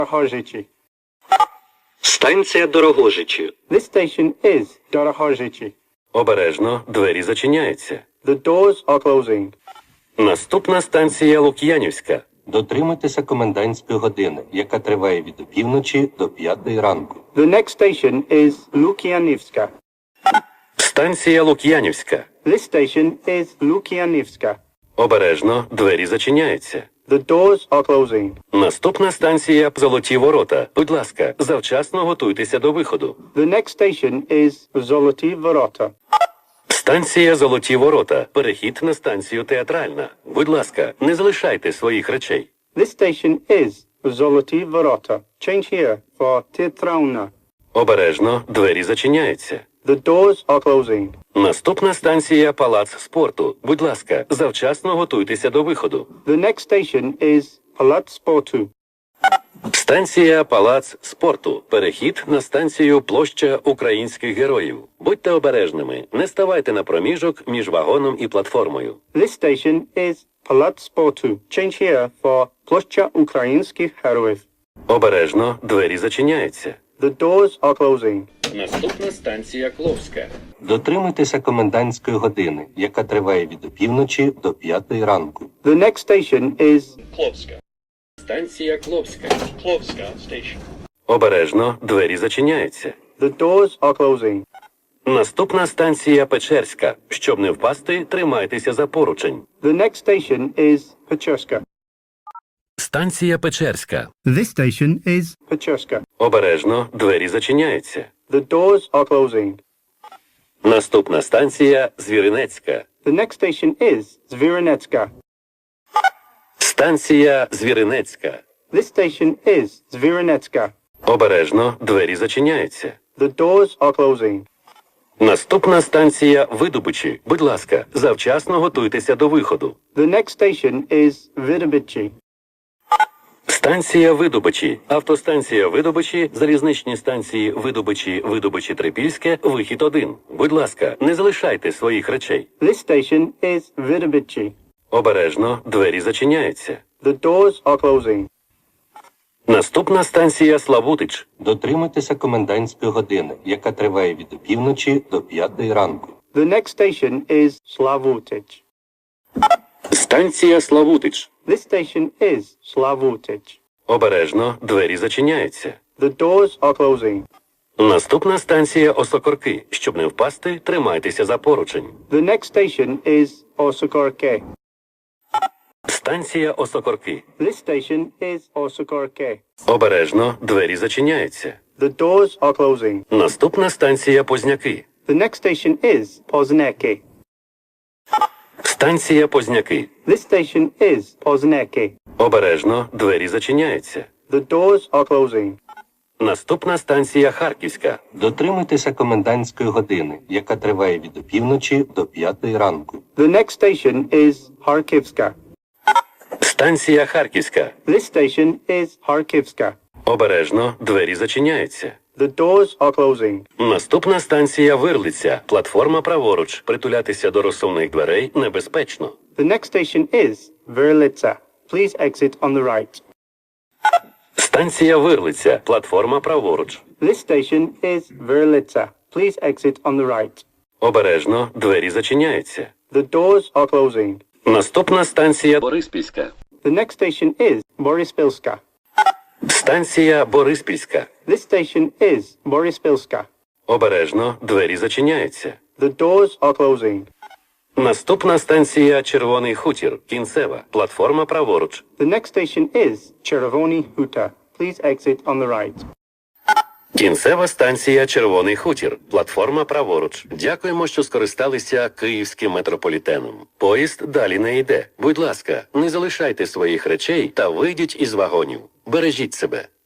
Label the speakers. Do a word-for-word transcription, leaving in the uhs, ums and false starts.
Speaker 1: Дорогожичі.
Speaker 2: Станція Дорогожичі.
Speaker 1: This station is Дорогожичі.
Speaker 2: Обережно, двері зачиняються.
Speaker 1: The doors are closing.
Speaker 2: Наступна станція Лук'янівська.
Speaker 3: Дотримуйтеся комендантської години, яка триває від опівночі до п'ятої ранку.
Speaker 1: The next station is Лук'янівська.
Speaker 2: Станція Лук'янівська.
Speaker 1: This station is Лук'янівська.
Speaker 2: Обережно, двері зачиняються.
Speaker 1: The doors are closing.
Speaker 2: Наступна станція Золоті Ворота. Будь ласка, завчасно готуйтеся до виходу.
Speaker 1: The next station is Золоті Ворота.
Speaker 2: Станція Золоті Ворота. Перехід на станцію Театральна. Будь ласка, не залишайте своїх речей.
Speaker 1: This station is Золоті Ворота. Change here for Театральна.
Speaker 2: Обережно, двері зачиняються.
Speaker 1: The doors are closing.
Speaker 2: Наступна станція Палац спорту. Будь ласка, завчасно готуйтеся до виходу.
Speaker 1: The next station is Палац спорту.
Speaker 2: Станція Палац спорту. Перехід на станцію Площа українських героїв. Будьте обережними, не ставайте на проміжок між вагоном і платформою.
Speaker 1: This station is Палац спорту. Change here for Площа українських героїв.
Speaker 2: Обережно, двері зачиняються.
Speaker 1: The doors are closing.
Speaker 2: Наступна станція Кловська.
Speaker 3: Дотримуйтеся комендантської години, яка триває від опівночі до п'ятої ранку.
Speaker 1: The next station is
Speaker 2: Кловська. Станція Кловська.
Speaker 4: Klovska station.
Speaker 2: Обережно, двері зачиняються.
Speaker 1: The doors are closing.
Speaker 2: Наступна станція Печерська. Щоб не впасти, тримайтеся за поручень.
Speaker 1: The next station is Печерська.
Speaker 2: Станція Печерська.
Speaker 1: This station is Печерська.
Speaker 2: Обережно, двері зачиняються.
Speaker 1: The doors are closing.
Speaker 2: Наступна станція Звіринецька.
Speaker 1: The next station is Звіринецька.
Speaker 2: Станція Звіринецька.
Speaker 1: This station is Звіринецька.
Speaker 2: Обережно, двері зачиняються.
Speaker 1: The doors are closing.
Speaker 2: Наступна станція Видобичі. Будь ласка, завчасно готуйтеся до виходу.
Speaker 1: The next station is Видобичі.
Speaker 2: Станція Видобичі. Автостанція Видобичі, залізничні станції Видобичі, Видобичі, Трипільське, вихід один. Будь ласка, не залишайте своїх речей.
Speaker 1: This station is Видобичі.
Speaker 2: Обережно, двері зачиняються.
Speaker 1: The doors are closing.
Speaker 2: Наступна станція Славутич.
Speaker 3: Дотримуйтеся комендантської години, яка триває від опівночі до п'ятої ранку.
Speaker 1: The next station is Slavutич.
Speaker 2: Станція Славутич.
Speaker 1: This station is Slavutich.
Speaker 2: Обережно, двері зачиняються.
Speaker 1: The doors are closing.
Speaker 2: Наступна станція Осокорки. Щоб не впасти, тримайтеся за поручень.
Speaker 1: The next station is Osokorke.
Speaker 2: Станція Осокорки.
Speaker 1: This station is Osokorke.
Speaker 2: Обережно, двері зачиняються.
Speaker 1: The doors are closing.
Speaker 2: Наступна станція Позняки.
Speaker 1: The next station is Pozneke.
Speaker 2: Станція Позняки.
Speaker 1: This station is Pozneke.
Speaker 2: Обережно, двері зачиняються.
Speaker 1: The doors are closing.
Speaker 2: Наступна станція Харківська.
Speaker 3: Дотримуйтеся комендантської години, яка триває від опівночі до п'ятої ранку.
Speaker 1: The next station is Harkivska.
Speaker 2: Станція Харківська.
Speaker 1: This station is Harkivska.
Speaker 2: Обережно, двері зачиняються.
Speaker 1: The doors are closing.
Speaker 2: Наступна станція Вирлиця. Платформа праворуч. Притулятися до розсувних дверей небезпечно.
Speaker 1: The next station is Verlitsa. Please exit on the right.
Speaker 2: Станція Вирлиця. Платформа праворуч.
Speaker 1: This station is Verlitsa. Please exit on the right.
Speaker 2: Обережно, двері зачиняються.
Speaker 1: The doors are closing.
Speaker 2: Наступна станція Бориспільська.
Speaker 1: The next station is Borispilska.
Speaker 2: Станція Бориспільська.
Speaker 1: This station is Borispilska.
Speaker 2: Обережно, двері зачиняються.
Speaker 1: The doors are closing.
Speaker 2: Наступна станція Червоний хутір. Кінцева. Платформа праворуч.
Speaker 1: The next station is Chervony Huta. Please exit on the right.
Speaker 2: Кінцева станція Червоний хутір. Платформа праворуч. Дякуємо, що скористалися Київським метрополітеном. Поїзд далі не йде. Будь ласка, не залишайте своїх речей та вийдіть із вагонів. Бережіть себе.